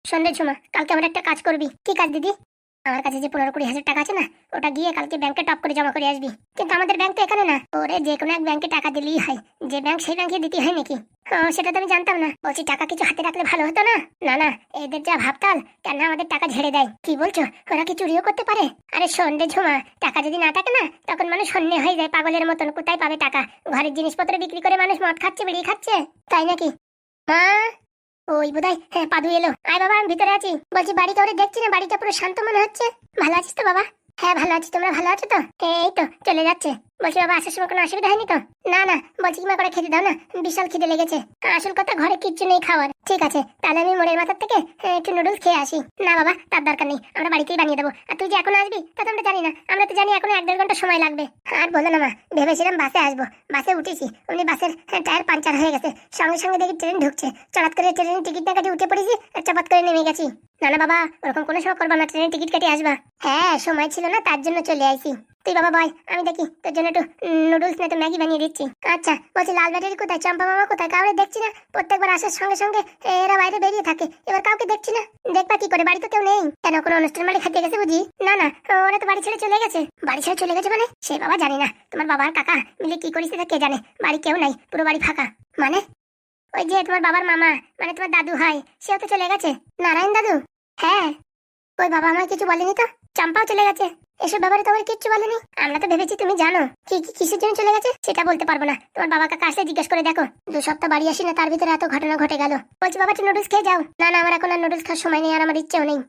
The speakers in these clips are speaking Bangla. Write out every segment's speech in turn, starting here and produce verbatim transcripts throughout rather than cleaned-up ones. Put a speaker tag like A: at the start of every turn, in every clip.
A: সন্ধ্যে ঝুমা, কালকে আমার একটা কাজ করবি। কি কাজ দিদি? আমার কাছে যে পনেরো কুড়ি হাজার টাকা আছে না, ওটা গিয়ে কালকে ব্যাংকে টপ করে জমা করে আসবি। কিন্তু আমাদের ব্যাংক তো এখানে না। ওরে যে কোনো এক ব্যাংকে টাকা দিলেই হয়, যে ব্যাংক সেই ব্যাংকে দিতে হয় নাকি? ও, সেটা তো আমি জানতাম না। বলছি টাকা কিছু হাতে রাখলে ভালো হতো না? না না, এদের যা ভাবতাল, কেন আমাদের টাকা ঝেড়ে দেয়। কি বলছো, ওরা কি চুরিও করতে পারে? আরে সন্ধ্যে ঝুমা, টাকা যদি না থাকে না, তখন মানুষ শূন্য হয়ে যায় পাগলের মতন। কোথায় পাবে টাকা? ঘরের জিনিসপত্র বিক্রি করে মানুষ মদ খাচ্ছে, বিড়ি খাচ্ছে, তাই নাকি? মা, ওই বোধহয় হ্যাঁ পাদু এলো। আয় বাবা, আমি ভিতরে আছি। বলছি বাড়ি কাউরে দেখছি না, বাড়িটা পুরো শান্ত মনে হচ্ছে। ভালো আছিস তো বাবা? হ্যাঁ ভালো আছি, তোমরা ভালো আছো তো? এই তো চলে যাচ্ছে। বলছি বাবা, আসার সময় কোনো অসুবিধা হয়নি তো? না না, বলছি কি মা করে খেতে দাও না, বিশাল খিদে লেগেছে। আসল কথা, ঘরে কিচ্ছু নেই খাওয়ার। ঠিক আছে, তাহলে আমি মোড়ের মাথার থেকে আহ, একটু নুডলস খেয়ে আসি। না বাবা, তার দরকার নেই, আমরা বাড়িতেই বানিয়ে দেবো। আর তুই যে এখন আসবি তা তো আমরা জানি না। আমরা তো জানি এখনো এক দেড় ঘন্টা সময় লাগবে। আর বলো না মা, ভেবেছিলাম বাসে আসবো, বাসে উঠেছি, অমনি বাসের হ্যাঁ, টায়ার পাঞ্চার হয়ে গেছে। সঙ্গে সঙ্গে দেখি ট্রেন ঢুকছে, চড়াত করে ট্রেনের টিকিট না কাটি উঠে পড়েছি, আর চাপাত করে নেমে গেছি। না না বাবা, ওরকম কোনো সময় করবা না, ট্রেনের টিকিট কাটি আসবা। হ্যাঁ, সময় ছিল না, তার জন্য চলে আইছি। তুই বাবা বয়, আমি দেখি তোর জন্য একটু নুডলস না তো ম্যাগি বানিয়ে দিচ্ছি। আচ্ছা, বলছি লাল ব্যাটারি কোথায়, চম্পা মামা কোথায়? কাউরে দেখছি না, প্রত্যেকবার আসার সঙ্গে সঙ্গে এরা বাইরে বেরিয়ে থাকে, এবার কাউকে দেখছি না। দেখবা কি করে, বাড়ি তো কেউ নেই। কেন, কোনো অনুষ্ঠান বাড়ি খাইতে গেছে বুঝি? না না, ওরা তো বাড়ি ছেড়ে চলে গেছে। বাড়ি ছেড়ে চলে গেছে মানে? সে বাবা জানি না, তোমার বাবা আর কাকা মিলে কি করিস কে জানে। বাড়ি কেউ নাই, পুরো বাড়ি ফাঁকা। মানে ওই যে তোমার বাবার মামা, মানে তোমার দাদু হয়, সেও তো চলে গেছে। নারায়ণ দাদু? হ্যাঁ। ওই বাবা আমায় কিছু বলেনি তো। চম্পাও চলে গেছে, এসব ব্যাপারে তোমার কিচ্ছু বলেনি। আমরা তো ভেবেছি তুমি জানো। কি কি কিসের জন্য চলে গেছে সেটা বলতে পারবো না, তোমার বাবা কাকা আসলে জিজ্ঞেস করে দেখো। দু সপ্তাহ বাড়ি আসি না, তার ভিতরে এত ঘটনা ঘটে গেল। বলছি বাবা, একটু নুডলস খেয়ে যাও। না না, আমার এখন আর নুডলস খাওয়ার সময় নেই, আর আমার ইচ্ছেও নেই।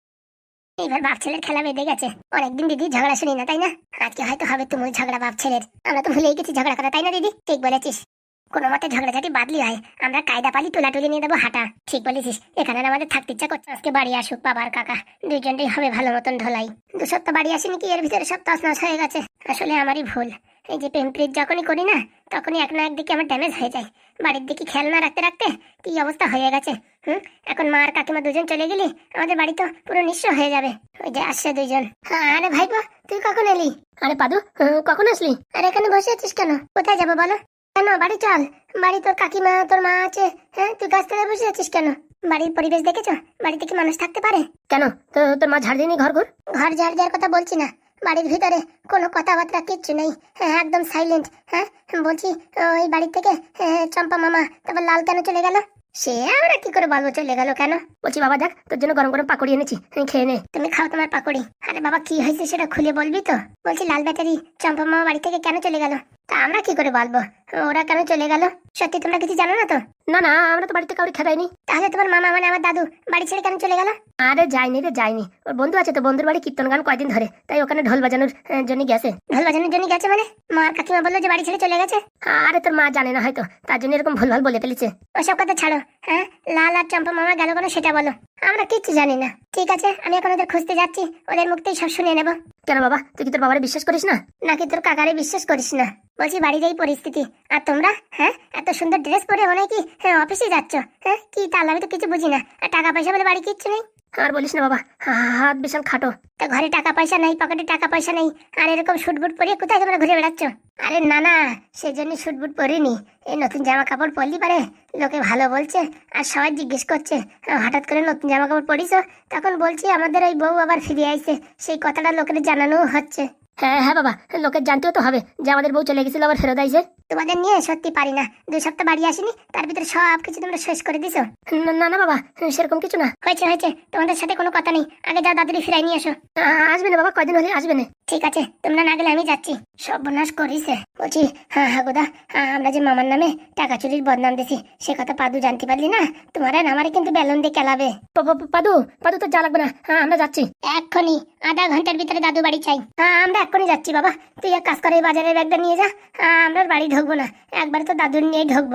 A: এইবার বাপ ছেলের খেলা বেঁধে গেছে। অনেকদিন দিদি ঝগড়া শুনি না, তাই না? আজকে হয়তো হবে তুমি ঝগড়া বাপ ছেলের। আমরা তো ভুলেই গেছি ঝগড়া করা, তাই না দিদি? ঠিক বলেছিস, কোনো মতে ঝগড়াঝাটি বাদলি হয়, আমরা কায়দা পালি তুলাতুলি নিয়ে দেবো হাঁটা। ঠিক বলেছিস, এখানে না আমাদের থাকতে ইচ্ছা করছে। আজকে বাড়ি আসুক বাবার কাকা, দুইজনটাই হবে ভালো মতন ঢোলাই। দু সপ্তাহ বাড়ি আসেনি কি, এর ভিতরে সব তছনছ হয়ে গেছে। আসলে আমারই ভুল। এই যে প্রেম প্রীত যখনই করি না, তখনই এক না একদিকে আমার ড্যামেজ হয়ে যায়। বাড়ির দিকে খেয়াল না রাখতে রাখতে কি অবস্থা হয়ে গেছে। হুম, এখন মা আর কাকিমা দুজন চলে গেলি, আমাদের বাড়ি তো পুরো নিঃস্ব হয়ে যাবে। ওই যে আসছে দুইজন। আরে ভাইপো, তুই কখন এলি? আরে পাদু, কখন আসলি? আরে এখানে বসে আছিস কেন? কোথায় যাবো বলো? কেন, বাড়ি চল। বাড়ি তোর কাকিমা তোর মা আছে। হ্যাঁ, তুই গাছ তলায় বসে আছিস কেন? বাড়ির পরিবেশ দেখেছো? বাড়িতে কি মানুষ থাকতে পারে? কেন, তো তোর মা ঝাড় দিনি ঘর ঘর? ঘর ঝাড় দেওয়ার কথা বলছি না, বাড়ির ভিতরে কোনো কথাবার্তা কিচ্ছু নেই। হ্যাঁ, একদম সাইলেন্ট। হ্যাঁ বলছি, ওই বাড়ি থেকে হ্যাঁ, চম্পা মামা তারপর লাল কেন চলে গেল? সে আমরা কি করে বলবো চলে গেল কেন? বলছি বাবা দেখ, তোর জন্য গরম গরম পাকড়ি এনেছি, তুমি খেয়ে নে। তুমি খাও তোমার পাকড়ি। আরে বাবা, কি হয়েছে সেটা খুলে বলবি তো? বলছি লাল ব্যাটারি চম্পা মামা বাড়ি থেকে কেন চলে গেল? তা আমরা কি করে বলবো ওরা কেন চলে গেল? সত্যি তোমরা কিছু জানো না তো? না না, আমরা তো বাড়িতে কাউকে খেদাইনি। তাহলে তোমার মামা মানে আমার দাদু বাড়ি ছেড়ে কেন চলে গেল? আরে যায়নি রে, যায়নি। ওর বন্ধু আছে তো, বন্ধুর বাড়ি কীর্তন গান কয়দিন ধরে, তাই ওখানে ঢোল বাজানোর আহ, জন্য গেছে। ঢোল বাজানোর জন্য গেছে মানে? মা আর কাকিমা বললো যে বাড়ি ছেড়ে চলে গেছে। আরে তোর মা জানে না হয়তো, তার জন্য এরকম ভুল ভাল বলে ফেলেছে। ওসব কথা ছাড়ো। হ্যাঁ, লাল আর চম্পা মামা গেল কেন সেটা বলো। আমরা কিচ্ছু জানি না। ঠিক আছে, আমি এখন ওদের খুঁজতে যাচ্ছি, ওদের মুখতেই সব শুনে নেবো। কেন বাবা, তুই কি তোর বাবারে বিশ্বাস করিস না? নাকি তোর কাকারে বিশ্বাস করিস না? বলছি বাড়ির এই পরিস্থিতি, আর তোমরা হ্যাঁ এত সুন্দর ড্রেস পরে মনে কি হ্যাঁ অফিসে যাচ্ছ? হ্যাঁ কি তাহলে, আমি তো কিছু বুঝি না। আর টাকা পয়সা বলে বাড়ি কিচ্ছু নেই? আর বলিস না বাবা, হাত বিশাল খাটো। তা ঘরে টাকা পয়সা নেই, পকেটে টাকা পয়সা নেই, আর এরকম শুটবুট পরিয়ে কোথায় তোমরা ঘুরে বেড়াচ্ছ? আরে না না, সেজন্য শুটবুট পরিনি। এই নতুন জামা কাপড় পরলি পারে লোকে ভালো বলছে, আর সবাই জিজ্ঞেস করছে হঠাৎ করে নতুন জামা কাপড় পরিস। তখন বলছি আমাদের ওই বউ আবার ফিরে আইছে, সেই কথাটা লোকের জানানোও হচ্ছে। হ্যাঁ হ্যাঁ বাবা, লোকের জানতেও তো হবে যে আমাদের বউ চলে গেছিল আবার ফেরত আইছে। তোমাদের নিয়ে সত্যি পারি না, দুই সপ্তাহ বাড়ি আসিনি, তার ভিতরে সব কিছু তোমরা শেষ করে দিছো। না না বাবা, সেরকম কিছু না। হয়েছে হয়েছে, তোমাদের সাথে কোনো কথা নেই, আগে যাও দাদুরি ফিরাই নিয়ে আসো। আসবে না বাবা, কয়দিন হলে আসবে না। ঠিক আছে, তোমরা না গেলে আমি যাচ্ছি। সর্বনাশ করিছে। বলছি হ্যাঁ হ্যাঁ গোদা, আমরা যে মামার নামে টাকা চুরির বদনাম দিছি, সে কথা পাদু জানতে পারলি না, তোমার আর আমারে কিন্তু বেলুন দিয়ে কেলাবে। পাদু পাদু তো যা লাগবে না, হ্যাঁ আমরা যাচ্ছি এক্ষুনি। আধা ঘন্টার ভিতরে দাদু বাড়ি চাই। হ্যাঁ আমরা এক্ষুনি যাচ্ছি বাবা, তুই এক কাজ করে এই বাজারের ব্যাগটা নিয়ে যা। আমরা বাড়ি ঢুকবো না, একবার তো দাদুর নিয়েই ঢুকবো।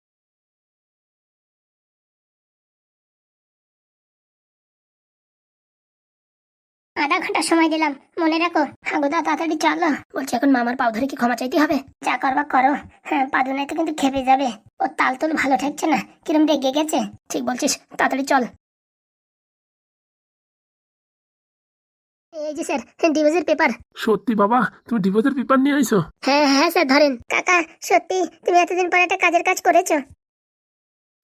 A: আধা ঘন্টা সময় দিলাম, মনে রাখো। হাগুদা তাড়াতাড়ি চলো। বলছি এখন মামার পাও ধরে কি ক্ষমা চাইতে হবে? যা করবা করো। হ্যাঁ, পাদু নাই তো কিন্তু খেপে যাবে। ও তাল তুল ভালো ঠেকছে না, কিরম রেগে গেছে। ঠিক বলছিস, তাড়াতাড়ি চল। এই যে স্যার, ডিভোর্সের পেপার।
B: সত্যি বাবা, তুমি ডিভোর্সের পেপার নিয়ে আইছো?
A: হ্যাঁ হ্যাঁ স্যার, ধরেন। কাকা সত্যি তুমি এতদিন পর একটা কাজের কাজ করেছো।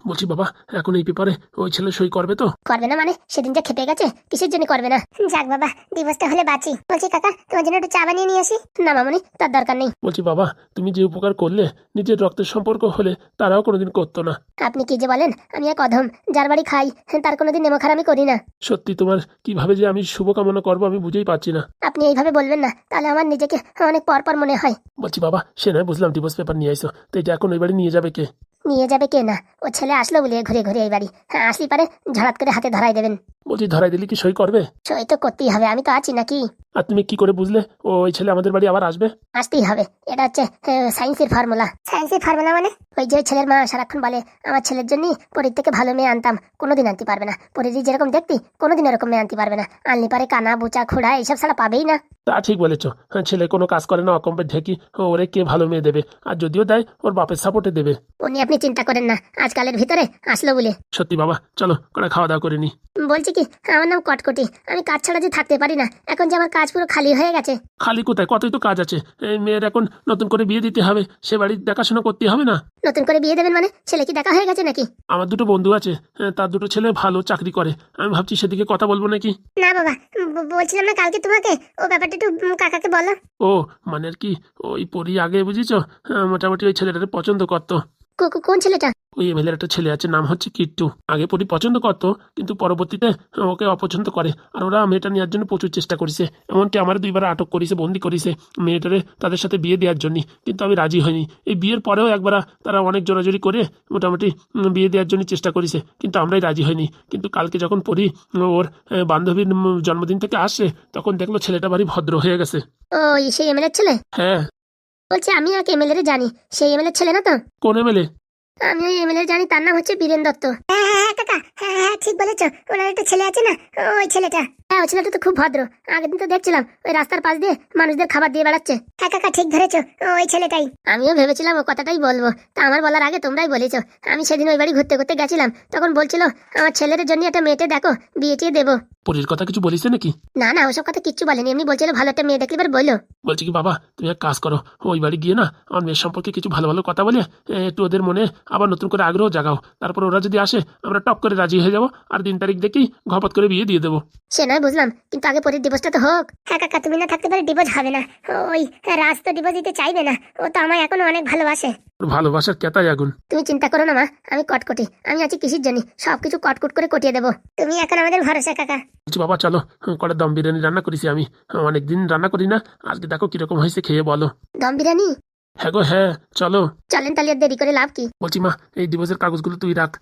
B: বলছি বাবা, এখন এই পেপারে ওই ছেলে সই করবে তো?
A: করবে না মানে? সেদিন যা খেপে গেছে, কিসের জন্য করবে না? যাক বাবা, ডিভোর্সটা হলে বাঁচি। বলছি কাকা, তোমার জন্য একটু চা বানিয়ে নিয়ে আসি? না মামনি, তার দরকার নেই।
B: বলছি বাবা, তুমি যে উপকার করলে, নিজের রক্তের সম্পর্ক হলে তারাও কোনোদিন করতো না।
A: আপনি কি যে বলেন, আমি এক অধম, যার বাড়ি খাই তার কোনোদিন নেমখার আমি করি না।
B: সত্যি তোমার কিভাবে যে আমি শুভকামনা করবো আমি বুঝেই পাচ্ছি না।
A: আপনি এইভাবে বলবেন না, তাহলে আমার নিজেকে অনেক পর পর মনে হয়।
B: বলছি বাবা, সে নয় বুঝলাম ডিভোর্স পেপার নিয়ে আইসো, তো এটা এখন ওই বাড়ি নিয়ে যাবে কে?
A: নিয়ে যাবে কে না? ও ছেলে আসলো বলে ঘুরে ঘুরে এই বাড়ি। হ্যাঁ, আসলি পারে ঝড়াত করে হাতে ধরাই দেবেন।
B: বলছি ধরাই দিলে কি সই করবে?
A: সই তো করতেই হবে, আমি তো আছি নাকি?
B: আর তুমি কি করে বুঝলে ও ওই ছেলে আমাদের বাড়ি আবার আসবে?
A: আসতেই হবে, এটা হচ্ছে সায়েন্সের ফর্মুলা। সায়েন্সের ফর্মুলা মানে? ওই যে ওই ছেলের মা সারাক্ষণ বলে আমার ছেলের জন্য পরীর থেকে ভালো মেয়ে আনতাম, কোনোদিন আনতে পারবে না। পরীর যেরকম দেখতি কোনোদিন এরকম মেয়ে আনতে পারবে না। আনলি পারে কানা বুচা খোড়া এইসব ছাড়া পাবেই না।
B: তা ঠিক বলেছ, হ্যাঁ, ছেলে কোনো কাজ করে না, অকম্পে ঢেকি, ওরে কে ভালো মেয়ে দেবে? আর যদিও দেয় ওর বাপের সাপোর্টে দেবে।
A: উনি আপনি চিন্তা করেন না, আজকালের ভিতরে আসলো বলে।
B: সত্যি বাবা, চলো করে খাওয়া দাওয়া করে নি।
A: বলছি কি, আমার নাম কটকটি, আমি কাজ ছাড়া যে থাকতে পারি না। এখন যে আমার কাজ পুরো খালি হয়ে গেছে।
B: খালি কোথায়, কতই তো কাজ আছে। এই মেয়ের এখন নতুন করে বিয়ে দিতে হবে, সে বাড়ির দেখাশোনা করতে হবে না?
A: নতুন করে বিয়ে দেবেন মানে? ছেলে কি দেখা হয়ে গেছে নাকি?
B: আমার দুটো বন্ধু আছে, হ্যাঁ, তার দুটো ছেলে ভালো চাকরি করে, আমি ভাবছি সেদিকে কথা বলবো নাকি।
A: না বাবা, ব- বলছিলাম না কালকে তোমাকে, ও ব্যাপারটা একটু উম, কাকাকে বলো।
B: ও মানে আর কি, ওই পরি আগে বুঝেছো, হ্যাঁ, মোটামুটি ওই ছেলেটাকে পছন্দ করতো।
A: কো- কো- কোন ছেলেটা?
B: ওই এমএলএর একটা ছেলে আছে, নাম হচ্ছে কিট্টু। আগে পরি পছন্দ করতো, কিন্তু পরবর্তীতে ওকে অপছন্দ করে। আর ওরা মেয়েটা নেওয়ার জন্য প্রচুর চেষ্টা করেছে, এমনকি আমার দুইবার আটক করেছে, বন্দি করেছে মেয়েটারে তাদের সাথে বিয়ে দেওয়ার জন্য, কিন্তু আমি রাজি হইনি। এই বিয়ের পরেও একবার তারা অনেক জোরাজোরি করে মোটামুটি উম, বিয়ে দেওয়ার জন্য চেষ্টা করেছে, কিন্তু আমরাই রাজি হইনি। কিন্তু কালকে যখন পরি ওর আহ, বান্ধবীর উম, জন্মদিন থেকে আসছে, তখন দেখলো ছেলেটা বাড়ি ভদ্র হয়ে গেছে।
A: ওই সেই এমএলএর ছেলে?
B: হ্যাঁ।
A: বলছি আমি এক এমএলএ জানি, সেই এমএলএর ছেলে না তো?
B: কোন এমএলএ?
A: আমি ওই এমএলএ জানি, তার নাম হচ্ছে বীরেন দত্ত। হ্যাঁ হ্যাঁ হ্যাঁ কাকা, হ্যাঁ হ্যাঁ ঠিক বলেছো। ওনার একটা ছেলে আছে না, ওই ছেলেটা। হ্যাঁ, ওই ছেলেটা তো খুব ভদ্র। আগের দিন তো দেখছিলাম ওই রাস্তার পাশ দিয়ে মানুষদের খাবার দিয়ে বেড়াচ্ছে। হ্যাঁ কাকা, ঠিক ধরেছো, ওই ছেলেটাই। আমিও ভেবেছিলাম ও কথাটাই বলবো, তা আমার বলার আগে তোমরাই বলেছো। আমি সেদিন ওই বাড়ি ঘুরতে ঘুরতে গেছিলাম, তখন বলছিল আমার ছেলের জন্য একটা মেয়েটে দেখো, বিয়ে টিয়ে দেবো।
B: পরির কথা কিছু বলিস নাকি?
A: না না, ওসব কথা কিচ্ছু বলেনি, এমনি বলছিল ভালো একটা মেয়ে দেখলে এবার বললো।
B: বলছি কি বাবা, তুমি এক কাজ করো, ওই বাড়ি গিয়ে না আমার মেয়ের সম্পর্কে কিছু ভালো ভালো কথা বলে এ, একটু ওদের মনে আবার নতুন করে আগ্রহ জাগাও। তারপর ওরা যদি আসে আমরা টপ করে রাজি হয়ে যাবো, আর দিন তারিখ দেখেই ঘপত করে বিয়ে দিয়ে দেবো।
A: সে নয় বুঝলাম, কিন্তু আগে পরের ডিভোর্সটা তো হোক। হ্যাঁ কাকা, তুমি না থাকতে পারে ডিভোর্স হবে না। ওই রাজ তো ডিভোর্স দিতে চাইবে না, ও তো আমায় এখনো অনেক ভালোবাসে।
B: ওর ভালোবাসার কেতাই আগুন।
A: তুমি চিন্তা করো না মা, আমি কটকটি, আমি আছি কিসের জন্য, সবকিছু কটকুট করে কটিয়ে দেবো। তুমি এখন আমাদের ভরসা কাকা।
B: বলছি বাবা চলো, কটা দম বিরিয়ানি রান্না করেছি আমি, অনেকদিন রান্না করি না, আজকে দেখো কিরকম হয়েছে, খেয়ে বলো।
A: দম বিরিয়ানি?
B: হ্যাঁ গো হ্যাঁ, চলো।
A: চলেন তাহলে, আর দেরি করে লাভ কি?
B: বলছি মা, এই ডিভোর্সের কাগজগুলো তুই রাখ।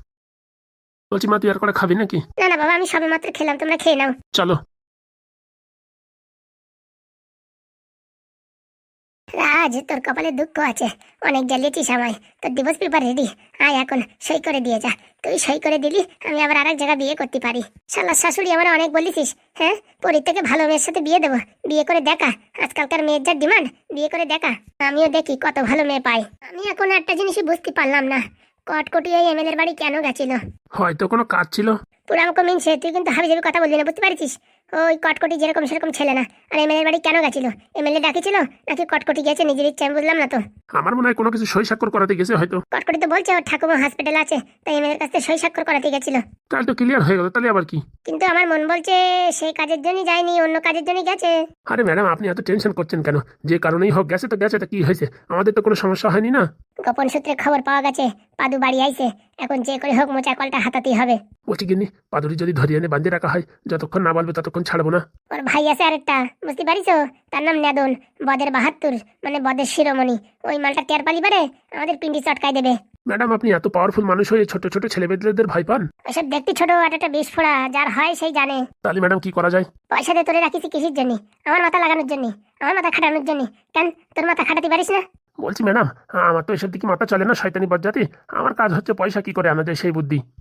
B: বলছি মা, তুই আর কটা খাবি নাকি?
A: না না বাবা, আমি সবে মাত্র খেলাম, তোমরা খেয়ে নাও।
B: চলো।
A: রাজ, তোর কপালে দুঃখ আছে, অনেক জ্বালিয়েছিস আমায়। তোর ডিভোর্স পেপার রেডি, আয় এখন সই করে দিয়ে যা। তুই সই করে দিলি, আমি আবার আরেক জায়গায় বিয়ে করতে পারি। শালা শাশুড়ি আমার অনেক বলিস, হ্যাঁ, পরীর থেকে ভালো মেয়ের সাথে বিয়ে দেবো, বিয়ে করে দেখা। আজকালকার মেয়ের যা ডিমান্ড, বিয়ে করে দেখা। আমিও দেখি কত ভালো মেয়ে পাই। আমি এখন একটা জিনিসই বুঝতে পারলাম না, কটকটি ওই এমএলএর বাড়ি কেন গেছিল?
B: হয়তো কোনো কাজ ছিল।
A: পুরাম কমিনছে, তুই কিন্তু হাবি যাবি কথা বলবি না, বুঝতে পারছিস? ওই কটকটি যেরকম সেরকম ছেলে না। আর এমএলএর বাড়ি কেন গেছিল? এমএলএ ডাকিছিল নাকি কটকটি গেছে নিজের ইচ্ছা? আমি বুঝলাম না তো।
B: আমার মনে হয় কোনো কিছু সই স্বাক্ষর করাতে গেছে হয়তো।
A: কটকটি তো বলছে ওর ঠাকুমা হসপিটাল আছে, তাই এমএলএর কাছে সই স্বাক্ষর করাতে গেছিল।
B: তাহলে তো ক্লিয়ার হয়ে গেল, তাহলে আবার কি?
A: কিন্তু আমার মন বলছে সেই কাজের জন্য যায়নি, অন্য কাজের জন্য গেছে।
B: আরে ম্যাডাম, আপনি এত টেনশন করছেন কেন? যে কারণেই হোক, গেছে তো গেছে, তা কি হয়েছে? আমাদের তো কোনো সমস্যা হয়নি না।
A: গোপন সূত্রে খবর পাওয়া গেছে পাদু বাড়ি আইছে, এখন যে করে হোক মোচা কলটা হাতাতেই হবে।
B: বলছি গিন্নি, পাদুরি যদি ধরিয়ে এনে বাঁধিয়ে রাখা হয়, যতক্ষণ না বলবে ততক্ষণ ছাড়বো না।
A: ওর ভাই আছে আরেকটা, বুঝতে পারিস? তার নাম নেদন, বদের বাহাত্তর, মানে বদের শিরোমণি। ওই মালটা টের পালি পারে আমাদের পিন্ডি চটকাই দেবে।
B: ম্যাডাম, আপনি এত পাওয়ারফুল মানুষ হয়ে ছোট ছোট ছেলেমেয়েদের ভয় পান?
A: ওইসব দেখতে ছোট, আর একটা বিস্ফোরা, যার হয় সেই জানে।
B: তাহলে ম্যাডাম কি করা যায়?
A: পয়সা দিয়ে তোরে রাখিস কিসের জন্য? আমার মাথা লাগানোর জন্য, আমার মাথা খাটানোর জন্য। কেন তোর মাথা খাটাতে পারিস না?
B: বলছি ম্যাডাম, আমার তো এসব দিকে মাথা চলে না, শয়তানি বজ্জাতি। আমার কাজ হচ্ছে পয়সা কি করে আনা যায় সেই বুদ্ধি।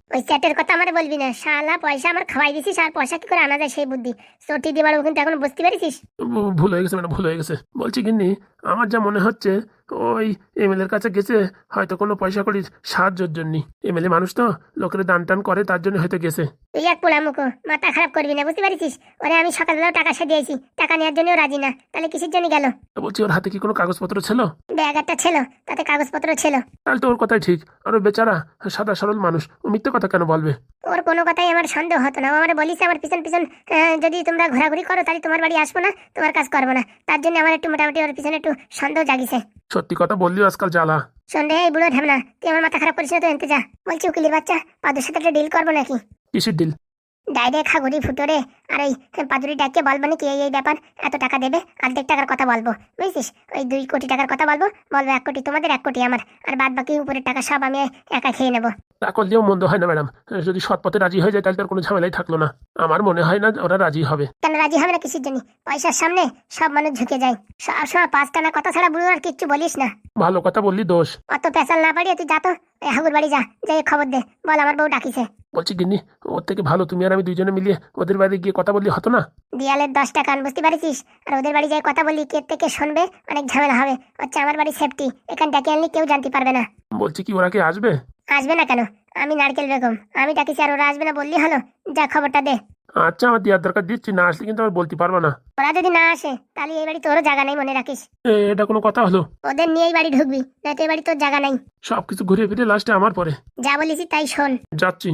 A: ওই চ্যাটের কথা আমার বলবি না, শালা পয়সা আমার খাওয়াই দিছিস, আর পয়সা কি করে আনা যায় সেই বুদ্ধি চটি দিয়ে বাড়বো, কিন্তু এখন বুঝতে পারিস।
B: ভু- ভুল হয়ে গেছে ম্যাডাম, ভুল হয়ে গেছে। বলছি গিন্নি, আমার যা মনে হচ্ছে ওই এমএলএ এর কাছে গেছে হয়তো কোনো পয়সা কড়ির সাহায্যের জন্য। এমএলএ মানুষ তো, লোকের দান টান করে, তার জন্য হয়তো গেছে।
A: তুই এক পোড়া মুখো, মাথা খারাপ করবি না, বুঝতে পারিস? ওরে আমি সকালবেলাও টাকা সে দিয়েছি, টাকা নেওয়ার জন্যও রাজি না, তাহলে কিসের জন্য গেল?
B: তো বলছি ওর হাতে কি কোনো কাগজপত্র ছিল?
A: ব্যাগ একটা ছিল, তাতে কাগজপত্র ছিল।
B: তাহলে তো ওর কথাই ঠিক। আর ও বেচারা সাদা সরল মানুষ, ও মিথ্যে কথা কেন বলবে?
A: ওর কোনো কথাই আমার সন্দেহ হতো না। ও আমার বলিস আমার পিছন পিছন আহ, যদি তোমরা ঘোরাঘুরি করো তাহলে তোমার বাড়ি আসবো না, তোমার কাজ করবো না, তার জন্য আমার একটু মোটামুটি ওর পিছনে একটু সন্দেহ জাগিছে।
B: সত্যি কথা বললিও আজকাল জ্বালা।
A: সন্দেহ এই বুড়ো ঢামনা, তুই আমার মাথা খারাপ করিস না তো, এনতে যা। বলছি উকিলের বাচ্চা, পাদুর সাথে একটা ডিল করবো নাকি?
B: কিসের ডিল?
A: ডাইরে খাগুড়ি ফুটোরে, আর ওই পাদুরি ডাককে বলবো নাকি এই এই ব্যাপার, এত টাকা দেবে, অর্ধেক টাকার কথা বলবো, বুঝছিস? ওই দুই কোটি টাকার কথা বলবো, বলবো এক কোটি তোমাদের, এক কোটি আমার, আর বাদ বাকি উপরের টাকা সব আমি একা খেয়ে নেবো।
B: তা করলেও মন্দ হয় না ম্যাডাম। যদি সৎ পথে রাজি হয়ে যায় তাহলে তার কোনো ঝামেলাই থাকলো না। আমার মনে হয় না ওরা রাজি হবে।
A: কেন রাজি হবে না কিসের জন্য? পয়সার সামনে সব মানুষ ঝুঁকে যায়। সব সময় পাঁচ টানা কথা ছাড়া বুড়ো আর কিচ্ছু বলিস না।
B: ভালো কথা বললি দোষ।
A: অত পেঁচাল না পারিয়ে তুই যা তো, এই হাগুর বাড়ি যা, যাই খবর দে, বল আমার বউ ডাকিছে।
B: বলছি গিন্নি, ওর থেকে ভালো তুমি আর আমি দুইজনে মিলিয়ে ওদের বাড়ি গিয়ে কথা বললি হতো না?
A: দিয়ালের দশটা কান, বুঝতে পারিস? আর ওদের বাড়ি যাই কথা বললি, কে থেকে শুনবে, অনেক ঝামেলা হবে। হচ্ছে আমার বাড়ি সেফটি, এখান ডেকে আনলি কেউ জানতে পারবে না।
B: বলছি কি ওরা কি আসবে?
A: আসবে না কেন? আমি নারকেল বেগম, আমি ডাকিছি, আর ওরা আসবে না বললি হলো? যা খবরটা দে।
B: আচ্ছা, আমার দেওয়ার দরকার দিচ্ছি, না আসলে কিন্তু আমার বলতে পারবো না।
A: ওরা যদি না আসে তাহলে এই বাড়ি তোরও জায়গা নাই, মনে রাখিস।
B: এ, এটা কোনো কথা হলো?
A: ওদের নিয়ে এই বাড়ি ঢুকবি, না তো এই বাড়ি তোর জায়গা নাই।
B: সবকিছু ঘুরে ফিরে লাস্টে আমার পরে।
A: যা বলিস তাই শোন।
B: যাচ্ছি।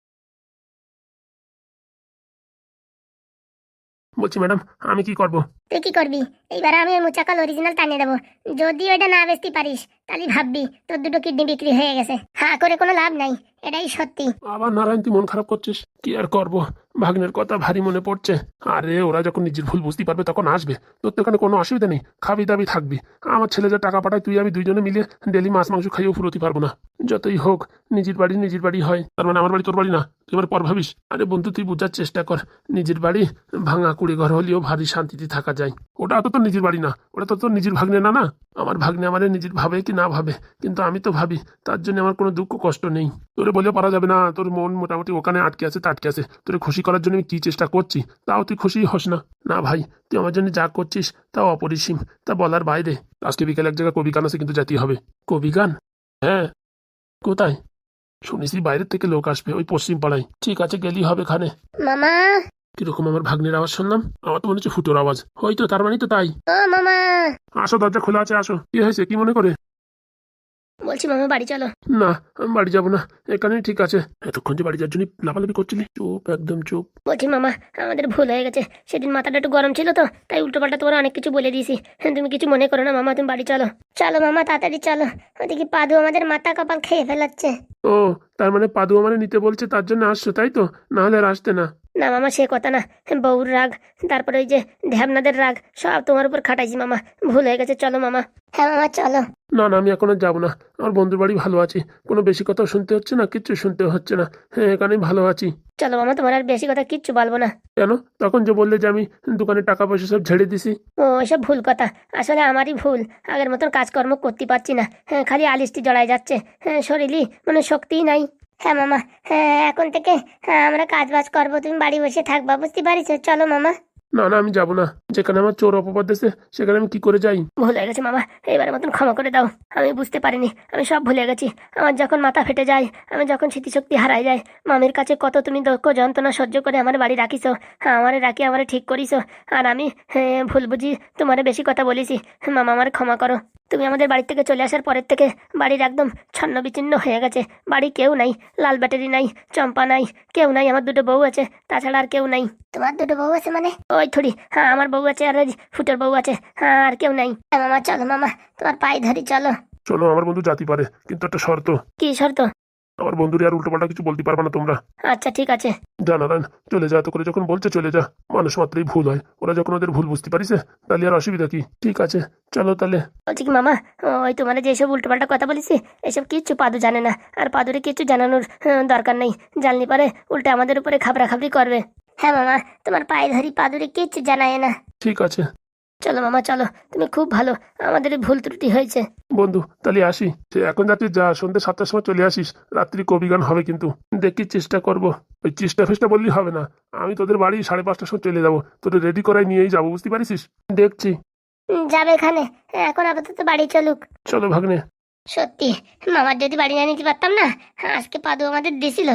B: বলছি ম্যাডাম, আমি কি করব?
A: তুই কি করবি? এইবার আমি ওই মুচাকাল অরিজিনাল টানিয়ে দেবো। যদি ওইটা না বেচতে পারিস তাহলে ভাববি তোর দুটো কিডনি বিক্রি হয়ে গেছে। হ্যাঁ করে কোনো লাভ নাই, এটাই সত্যি।
B: আবার নারায়ণ, তুই মন খারাপ করছিস? কি আর করব, ভাগ্নের কথা ভারী মনে পড়ছে। আরে ওরা যখন নিজের ভুল বুঝতে পারবে তখন আসবে। তোর তো এখানে কোনো অসুবিধা নেই, খাবি দাবি থাকবি। আমার ছেলে যা টাকা পাঠায়, তুই আমি দুইজনে মিলে ডেলি মাছ মাংস খাইয়েও ফুরোতে পারবো না। যতই হোক নিজের বাড়ি নিজের বাড়ি হয়, তার মানে আমার বাড়ি তোর বাড়ি না? তুই এবার পর ভাবিস। আরে বন্ধু, তুই বোঝার চেষ্টা কর। নিজের বাড়ি ভাঙা কুড়ি ঘর হলেও ভারী শান্তিতে থাকা যায়। ওটা তো তোর নিজের বাড়ি না, ওটা তো তোর নিজের ভাগ্নে না। না, আমার ভাগ্নে আমার নিজের ভাবে কি না ভাবে, কিন্তু আমি তো ভাবি, তার জন্য আমার কোনো দুঃখ কষ্ট নেই। তোরে বলে পারা যাবে না, তোর মন মোটামুটি ওখানে আটকে আছে, তা আটকে আছে। তোরে খুশি করার জন্য আমি কি চেষ্টা করছি, তাও তুই খুশি হস না। না ভাই, তুই আমার জন্য যা করছিস তাও অপরিসীম, তা বলার বাইরে। আজকে বিকেলে এক জায়গায় কবি গান আছে, কিন্তু যেতে হবে। কবি গান? হ্যাঁ। কোথায়? শুনেছি বাইরের থেকে লোক আসবে, ওই পশ্চিম পাড়ায়। ঠিক আছে, গেলেই হবে। খানে
A: মামা।
B: কিরকম আমার ভাগ্নের আওয়াজ শুনলাম? আমার তো মনে হচ্ছে ফুটোর আওয়াজ। হয়তো, তার মানে তো তাই।
A: ও মামা।
B: আসো, দরজা খোলা আছে, আসো। কি হয়েছে, কি মনে করে?
A: বলছি মামা বাড়ি চলো।
B: না, আমি বাড়ি যাবো না, এখানেই ঠিক আছে। এতক্ষণ যে বাড়ি যাওয়ার জন্য লাফালাফি করছিলি, চুপ, একদম চুপ।
A: বলছি মামা, আমাদের ভুল হয়ে গেছে, সেদিন মাথাটা একটু গরম ছিল তো, তাই উল্টো পাল্টা তোমার অনেক কিছু বলে দিয়েছি। হ্যাঁ, তুমি কিছু মনে করো না মামা, তুমি বাড়ি চলো। চলো মামা, তাড়াতাড়ি চলো, ওদিকে পাদু আমাদের মাথা কপাল খেয়ে ফেলাচ্ছে।
B: ও, তার মানে পাদু মানে নিতে বলছে, তার জন্য আসছো তাই তো? না হলে আর আসতে না।
A: না মামা, সে কথা না, বউর রাগ, তারপরে ওই যে ধ্যাবনাদের রাগ, সব তোমার উপর খাটাইছি মামা, ভুল হয়ে গেছে। চলো মামা। হ্যাঁ মামা চলো।
B: না না, আমি এখন আর যাবো না। আমার বন্ধুর বাড়ি ভালো আছি, কোনো বেশি কথাও শুনতে হচ্ছে না, কিচ্ছু শুনতে হচ্ছে না। হ্যাঁ, এখানেই ভালো আছি।
A: চলো মামা, তোমার আর বেশি কথা কিচ্ছু বলবো না।
B: কেন? তখন যে বললে যে আমি দোকানে টাকা পয়সা সব ঝেড়ে দিছি।
A: ও এসব ভুল কথা, আসলে আমারই ভুল। আগের মতন কাজকর্ম করতে পারছি না, হ্যাঁ খালি আলিস্টি জড়াই যাচ্ছে, হ্যাঁ শরীরই মানে শক্তিই নাই। হ্যাঁ মামা, হ্যাঁ এখন থেকে হ্যাঁ আমরা কাজ বাজ করবো, তুমি বাড়ি বসে থাকবা, বুঝতে পারিস? চলো মামা।
B: না না, আমি যাবো না। যেখানে আমার চোর অপবাদ দিয়েছে সেখানে আমি কি করে যাই?
A: ভুল হয়ে গেছে মামা, এবারের মতন ক্ষমা করে দাও। আমি বুঝতে পারিনি, আমি সব ভুলে গেছি। আমার যখন মাথা ফেটে যায়, আমি যখন স্মৃতিশক্তি হারাই যায়, মামির কাছে কত তুমি দুঃখ যন্ত্রণা সহ্য করে আমার বাড়ি রাখিছো, হ্যাঁ আমারে রাখি আমারে ঠিক করিছো, আর আমি হ্যাঁ ভুল বুঝি তোমারে বেশি কথা বলেছি। মামা আমার ক্ষমা করো। তুমি আমাদের বাড়ি থেকে চলে আসার পরের থেকে বাড়ির একদম ছন্ন বিচ্ছিন্ন হয়ে গেছে। বাড়ি কেউ নাই, লাল ব্যাটারি নাই, চম্পা নাই, কেউ নাই। আমার দুটো বউ আছে, তাছাড়া আর কেউ নাই। তোমার দুটো বউ আছে মানে? ওই থুড়ি, হ্যাঁ আমার বউ আছে, আর ওই ফুটোর বউ আছে, হ্যাঁ আর কেউ নাই। মামা চলো মামা, তোমার পায়ে ধরি চলো।
B: চলো, আমার বন্ধু জাতি পারে, কিন্তু একটা শর্ত।
A: কি শর্ত?
B: আমার বন্ধুরে আর উল্টোপাল্টা কিছু বলতে পারবে না তোমরা।
A: আচ্ছা ঠিক আছে।
B: যা নারায়ণ, চলে যা। তো করে যখন বলছে চলে যা। মানুষ মাত্রই ভুল হয়, ওরা যখন ওদের ভুল বুঝতে পারিছে তাহলে আর অসুবিধা কি? ঠিক আছে, চলো তাহলে।
A: বলছি কি মামা, ওই তোমার যেসব উল্টোপাল্টা কথা বলেছি এসব কিচ্ছু পাদু জানে না, আর পাদুরে কিচ্ছু জানানোর আহ, দরকার নেই। জানলি পারে উল্টে আমাদের উপরে খাবরা খাবরি করবে। হ্যাঁ মামা, তোমার পায়ে ধরি, পাদুরে কিচ্ছু জানায় না।
B: ঠিক আছে।
A: চলো মামা চলো, তুমি খুব ভালো, আমাদের ভুল ত্রুটি হয়েছে।
B: বন্ধু তাহলে আসি, সে এখন যাচ্ছিস যা, সন্ধ্যে সাতটার সময় চলে আসিস, রাত্রি কবি গান হবে কিন্তু, দেখি চেষ্টা করব। ওই চেষ্টা ফেষ্টা বললেই হবে না, আমি তোদের বাড়ি সাড়ে পাঁচটার সময় চলে যাবো, তোদের রেডি করাই নিয়েই যাবো, বুঝতে পারিস? দেখছি।
A: উম, যাবে এখানে, এখন আপাতত বাড়ি চলুক।
B: চলো ভাগ্নে।
A: সত্যি মামার যদি বাড়ি না নিতে পারতাম না, আজকে পাদু আমাদের দিছিল।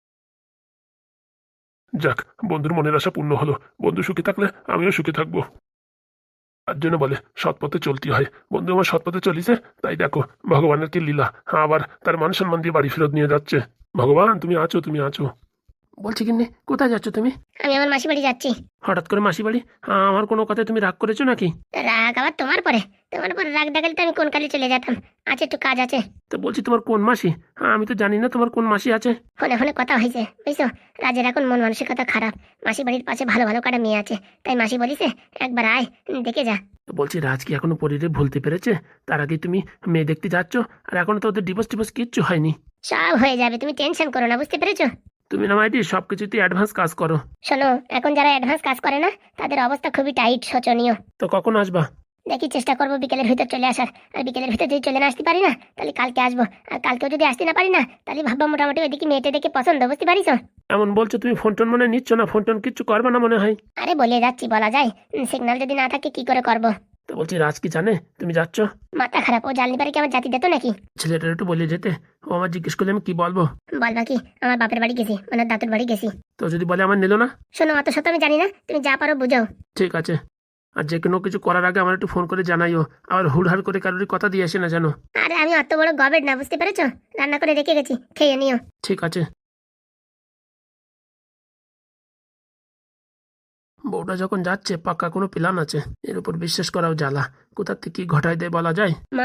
B: যাক, বন্ধুর মনের আশা পূর্ণ হলো, বন্ধু সুখে থাকলে আমিও সুখে থাকবো। তার জন্য বলে সৎ পথে চলতে হয়, বন্ধু আমার সৎ পথে চলিছে, তাই দেখো ভগবানের কি লীলা, আবার তার মান সম্মান দিয়ে বাড়ি ফেরত নিয়ে যাচ্ছে। ভগবান তুমি আছো, তুমি আছো। বলছি কিন্নি, কোথায় যাচ্ছ তুমি?
A: আমি আমার মাসি বাড়ি যাচ্ছি।
B: হঠাৎ করে মাসি বাড়ি? হ্যাঁ, আমার কোনো কথায় তুমি রাগ করেছো নাকি?
A: রাগ আবার তোমার পরে? তোমার পরে রাগ দেখালে তো আমি কোন কালে চলে যেতাম। আছে একটু কাজ আছে।
B: তো বলছি তোমার কোন মাসি? হ্যাঁ, আমি তো জানি না তোমার কোন মাসি আছে।
A: ফোনে ফোনে কথা হয়েছে বুঝছো, রাজের এখন মন মানসিকতা খারাপ, মাসি বাড়ির পাশে ভালো ভালো কাটা মেয়ে আছে, তাই মাসি বলিছে একবার আয়, দেখে যা।
B: তো বলছি রাজ কি এখনো পরিরে ভুলতে পেরেছে? তার আগে তুমি মেয়ে দেখতে যাচ্ছ, আর এখনো তো ওদের ডিভোর্স টিভোর্স কিচ্ছু হয়নি।
A: সব হয়ে যাবে, তুমি টেনশন করো না, বুঝতে পেরেছো?
B: তুমি না মাইদি সব কিছুতে অ্যাডভান্স কাজ করো।
A: শোনো, এখন যারা অ্যাডভান্স কাজ করে না তাদের অবস্থা খুবই টাইট, শোচনীয়।
B: তো কখন আসবা?
A: দেখি চেষ্টা করবো বিকেলের ভিতর চলে আসার, আর বিকেলের ভিতর যদি চলে না আসতে পারি না তাহলে কালকে আসবো, আর কালকেও যদি আসতে না পারি না তাহলে ভাববা মোটামুটি ওইদিকে মেয়েটা দেখে পছন্দ, বুঝতে পারিস?
B: এমন বলছো তুমি, ফোন টোন মনে নিচ্ছ না, ফোন টোন কিচ্ছু করবে না মনে হয়।
A: আরে বলে যাচ্ছি, বলা যায়, সিগন্যাল যদি না থাকে কি করে করব?
B: তো বলছি রাজ কি জানে তুমি যাচ্ছ?
A: মাথা খারাপ, ও জানলে পারে কি আমার জাতি দিত নাকি?
B: ছেলেটার একটু বলে যেতে, ও আমার জিজ্ঞেস করলে আমি কি বলবো?
A: বলবা কি আমার বাপের বাড়ি গেছি, মানে দাদুর বাড়ি গেছি।
B: তো যদি বলে আমার নিল না?
A: শোনো, অত সত্য আমি জানি না, তুমি যা পারো বুঝাও।
B: ঠিক আছে, আর যে কোনো কিছু করার আগে আমার একটু ফোন করে জানাইও, আবার হুড়হাড় করে কারোরই কথা দিয়ে আসে না যেন।
A: আরে আমি অত বড় গবেট না, বুঝতে পেরেছো? রান্না করে রেখে গেছি, খেয়ে নিও।
B: ঠিক আছে। বউটা যখন যাচ্ছে পাক্কা কোনো প্ল্যান আছে, এর উপর বিশ্বাস করাও জ্বালা, কোথার থেকে কি ঘটায় দেয় বলা যায়।
A: মা,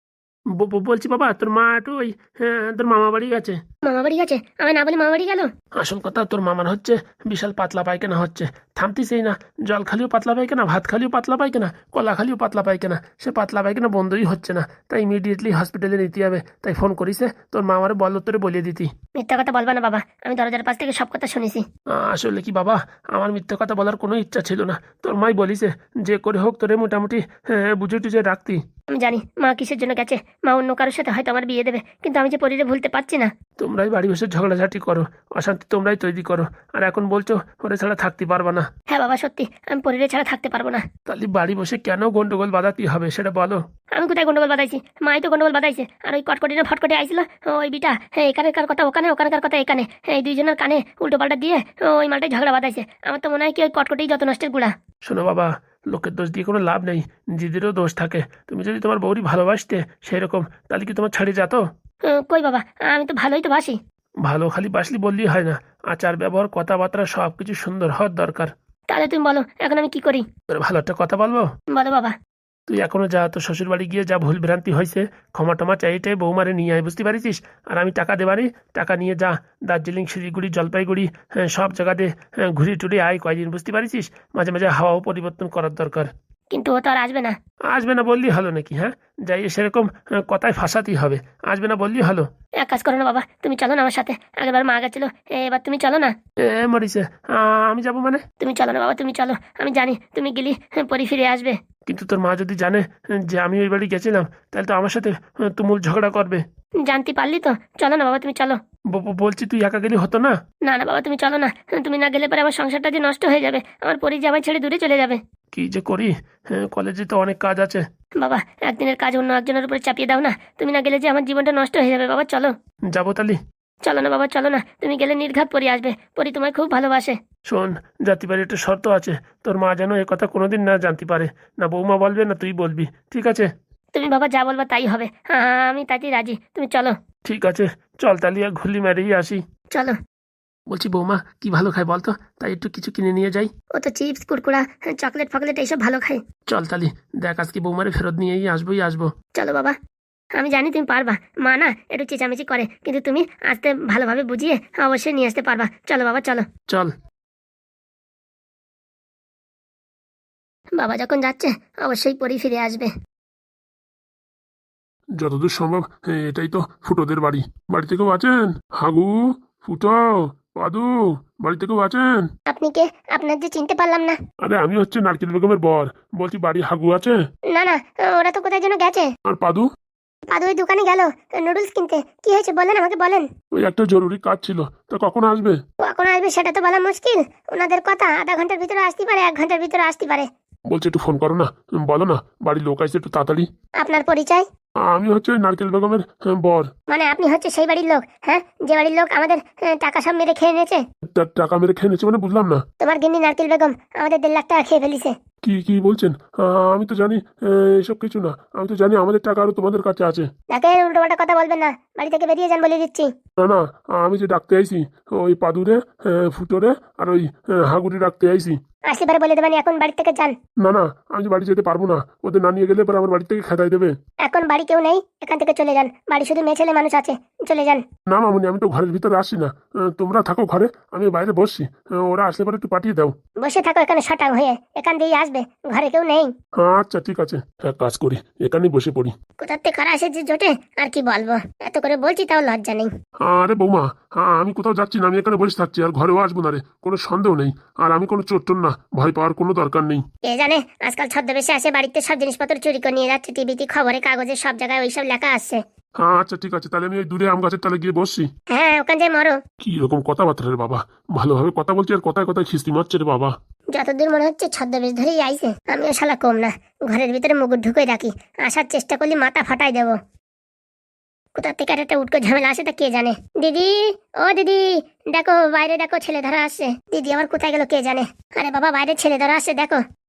B: ব- ব- বলছি বাবা, তোর মা একটু ওই হ্যাঁ, তোর মামা বাড়ি গেছে।
A: মামা বাড়ি গেছে? আমি না বলি মামা বাড়ি গেল?
B: আসল কথা তোর মামার হচ্ছে বিশাল পাতলা পায়খানা হচ্ছে, থামতিসেই না, জল খালিও পাতলা পায়খানা, ভাত খালিও পাতলা পায়খানা, কলা খালিও পাতলা পায়খানা, সে পাতলা পায়খানা বন্ধই হচ্ছে না, তাই ইমিডিয়েটলি হসপিটালে নিতে হবে, তাই ফোন করিছে তোর মা আমার বল তোরে বলিয়ে দিতি।
A: মিথ্যা কথা বলবা না বাবা, আমি দরজার পাশ থেকে সব কথা শুনেছি।
B: আহ, আসলে কি বাবা, আমার মিথ্যে কথা বলার কোনো ইচ্ছা ছিল না, তোর মাই বলিছে যে করে হোক তোরে মোটামুটি হ্যাঁ, বুঝে টুঝে রাখতি।
A: আমি জানি মা কিসের জন্য গেছে, মা অন্য কারোর সাথে হয়তো আমার বিয়ে দেবে, কিন্তু আমি যে পরিরে ভুলতে পারছি না।
B: তোমরাই বাড়ি বসে ঝগড়াঝাটি করো, অশান্তি তোমরাই তৈরি করো, আর এখন বলছো ওরে ছাড়া থাকতে পারবা না।
A: হ্যাঁ বাবা সত্যি, আমি পরিরে ছাড়া থাকতে পারবো না।
B: তাহলে বাড়ি বসে কেন গন্ডগোল বাঁধাতে হবে সেটা বলো।
A: আমি কোথায় গন্ডগোল বাঁধাইছি? মাই তো গন্ডগোল বাঁধাইছে, আর ওই কটকটি না ফটকটি আইছিল, ওই বিটা হ্যাঁ এখানকার কথা ওখানে, ওখানকার কথা এখানে, এই দুইজনের কানে উল্টো পাল্টা দিয়ে ওই মালটাই ঝগড়া বাঁধাইছে। আমার তো মনে হয় কি ওই কটকটেই যত নষ্টের গুড়া।
B: শোনো বাবা, লোকের দোষ দিয়ে কোনো লাভ নেই, নিজেদেরও দোষ থাকে, তুমি যদি তোমার বউরি ভালোবাসতে সেই রকম, তাহলে কি তোমার ছাড়ি যেত?
A: আহ, কই বাবা, আমি তো ভালোই তো বাসি।
B: ভালো খালি বাসলি বললেই হয় না, আচার ব্যবহার কথাবার্তা সব কিছু সুন্দর হওয়ার দরকার।
A: তাহলে তুমি বলো এখন আমি কি করি?
B: তোর ভালো একটা কথা বলবো?
A: বলো বাবা।
B: তুই এখনো যা, তোর শ্বশুর বাড়ি গিয়ে যা ভুল ভ্রান্তি হয়েছে ক্ষমা টমা চাইটাই বৌমারে নিয়ে আয়, বুঝতে পারিস? আর আমি টাকা দেবারি, টাকা নিয়ে যা, দার্জিলিং শিলিগুড়ি জলপাইগুড়ি হ্যাঁ, সব জায়গাতে হ্যাঁ, ঘুরে টুরে আয় কয়দিন, বুঝতে পারিস? মাঝে মাঝে হাওয়াও পরিবর্তন করার দরকার।
A: কিন্তু ও তো আর আসবে না।
B: আসবে না বললেই হলো নাকি? হ্যাঁ, যাই সেরকম হ্যাঁ, কথায় ফাঁসাতেই হবে, আসবে না বললেই হলো।
A: এক কাজ করো না বাবা, তুমি চলো না আমার সাথে, আগেরবার মা গেছিল, এবার তুমি চলো না।
B: এ মরিছে, আ, আমি যাবো মানে?
A: তুমি চলো না বাবা, তুমি চলো, আমি জানি তুমি গেলি হ্যাঁ, পরি ফিরে আসবে।
B: কিন্তু তোর মা যদি জানে হ্যাঁ, যে আমি ওই বাড়ি গেছিলাম, তাহলে তো আমার সাথে হ্যাঁ, তুমুল ঝগড়া করবে।
A: জানতে পারলি তো, চলো না বাবা তুমি চলো।
B: ব- ব- বলছি তুই একা গেলে হতো না?
A: না না বাবা তুমি চলো না, তুমি না গেলে পরে আমার সংসারটা যে নষ্ট হয়ে যাবে, আমার পরি যে আমায় ছেড়ে দূরে চলে যাবে।
B: কি যে করি, হ্যাঁ, কলেজে তো অনেক কাজ আছে।
A: বাবা একদিনের কাজ অন্য একজনের উপরে চাপিয়ে দাও না, তুমি না গেলে যে আমার জীবনটা নষ্ট হয়ে যাবে। বাবা চলো।
B: যাবো তালি।
A: চলো না বাবা চলো না, তুমি গেলে নির্ঘাত পরি আসবে, পরি তোমায় খুব ভালোবাসে।
B: শোন, জাতি বাড়ির একটা শর্ত আছে, তোর মা যেন এ কথা কোনোদিন না জানতে পারে, না বৌমা বলবে না তুই বলবি, ঠিক আছে?
A: তুমি বাবা যা বলবা তাই হবে, হ্যাঁ হ্যাঁ, আমি তাতেই রাজি, তুমি চলো।
B: ঠিক আছে, চল তালি আর ঘুলি মেরেই আসি।
A: চলো।
B: বলছি বৌমা কি ভালো খায় বলতো, তাই একটু কিছু কিনে নিয়ে যাই।
A: ও তো চিপস কুরকুরা চকলেট ফকলেট এইসব ভালো খায়।
B: চল তালি, দেখ আজকে বৌমারে ফেরত নিয়েই আসবোই আসবো।
A: চলো বাবা, আমি জানি তুমি পারবা, মা না একটু চেঁচামেচি করে, কিন্তু তুমি আসতে ভালোভাবে বুঝিয়ে অবশ্যই নিয়ে আসতে পারবা। চলো বাবা চলো।
B: চল।
A: বাবা যখন যাচ্ছে অবশ্যই পরি ফিরে আসবে।
B: যতদূর সম্ভব হ্যাঁ, এটাই তো ফুটোদের বাড়ি, বাড়িতে কেউ আছেন? হাগু, ফুটো, পাদু, বাড়িতে কেউ আছেন?
A: আপনি কে? আপনার যে চিনতে পারলাম না।
B: আরে আমি হচ্ছে নারকেল বেগমের বর। বলছি বাড়ি হাগু আছে?
A: না না, ওরা তো কোথায় যেন গেছে।
B: আর পাদু?
A: পাদু ওই দোকানে গেল নুডলস কিনতে। কি হয়েছে বলেন, আমাকে বলেন।
B: ওই একটা জরুরি কাজ ছিল, তা কখন আসবে?
A: কখন আসবে সেটা তো বলা মুশকিল। ওনাদের কথা আধা ঘন্টার ভিতরে আসতে পারে, এক ঘন্টার ভিতরে আসতে পারে।
B: বলছে একটু ফোন করো না, বলো না বাড়ির লোক আসছে একটু তাড়াতাড়ি।
A: আপনার পরিচয়?
B: আমি হচ্ছে ওই নারকেল বেগমের আহ, বর।
A: মানে আপনি হচ্ছে সেই বাড়ির লোক, হ্যাঁ, যে বাড়ির লোক আমাদের আহ, টাকা সব মেরে খেয়ে নিয়েছে।
B: তার টাকা মেরে খেয়ে নিচ্ছে মানে বুঝলাম না।
A: তোমার গিন্নি নারকেল বেগম আমাদের দেড় লাখ টাকা খেয়ে ফেলিছে।
B: কি কি বলছেন? আহ, আমি তো জানি আহ, এসব কিছু না। আমি তো জানি আমাদের টাকা আরো তোমাদের কাছে আছে।
A: তাকে উল্টোপাল্টা কথা বলবেন না, বাড়ি থেকে বেরিয়ে যান বলে দিচ্ছি।
B: না না, আমি যে ডাকতে আইছি ওই পাদুরে, আহ, ফুটোরে আর ওই আহ, হাগুরি ডাকতে আইছি।
A: আসলে পরে বলে দেবেন এখন বাড়ি থেকে যান।
B: না না, আমি যে বাড়ি যেতে পারবো না, ওদের না নিয়ে গেলে পরে আমার বাড়ি থেকে খেদাই দেবে।
A: এখন বাড়ি কেউ নেই, এখান থেকে চলে যান। বাড়ি শুধু মেয়ে ছেলে মানুষ আছে, চলে যান।
B: না মামুনি, আমি তো ঘরের ভিতরে আসি না। আহ, তোমরা থাকো ঘরে, আমি বাইরে বসছি। আহ, ওরা আসলে পরে একটু পাঠিয়ে দাও।
A: বসে থাকো এখানে শটাং হয়ে, এখান দিয়েই আসবে। ঘরে কেউ নেই।
B: আচ্ছা ঠিক আছে, এক কাজ করি, এখানেই বসে পড়ি।
A: কোথার থেকে কারা এসে যে জোটে, আর কি বলবো। এত করে বলছি তাও লজ্জা নেই।
B: আরে বৌমা, হ্যাঁ আমি কোথাও যাচ্ছি না, আমি এখানে বসে থাকছি আর ঘরেও আসবো না রে, কোনো সন্দেহ নেই। আর আমি কোনো চোর টোর না, ভয় পাওয়ার কোনো দরকার নেই।
A: কে জানে, আজকাল ছদ্মবেশে আসে বাড়িতে সব জিনিসপত্র চুরি করে নিয়ে যাচ্ছে। টিভিতে খবরে কাগজে সব জায়গায় ওইসব লেখা আসছে।
B: হ্যাঁ আচ্ছা ঠিক আছে, তাহলে আমি ওই দূরে আম গাছের তলে গিয়ে বসছি।
A: হ্যাঁ, ওখান যে মরো।
B: কি রকম কথাবার্তা রে বাবা, ভালোভাবে কথা বলছি আর কথায় কথায় খিস্তি মারছে রে বাবা।
A: যতদূর মনে হচ্ছে ছদ্মবেশ ধরেই আইছে। আমিও শালা কম না, ঘরের ভিতরে মুগুর ঢুকে রাখি। আসার চেষ্টা করলে মাথা ফাটাই দেবো। কোথা থেকে আর একটা উটকো ঝামেলা আসে তা কে জানে। দিদি, ও দিদি, দেখো বাইরে দেখো ছেলে ধরা আসছে। দিদি আমার কোথায় গেল কে জানে। আরে বাবা, বাইরে ছেলে ধরা আসছে দেখো।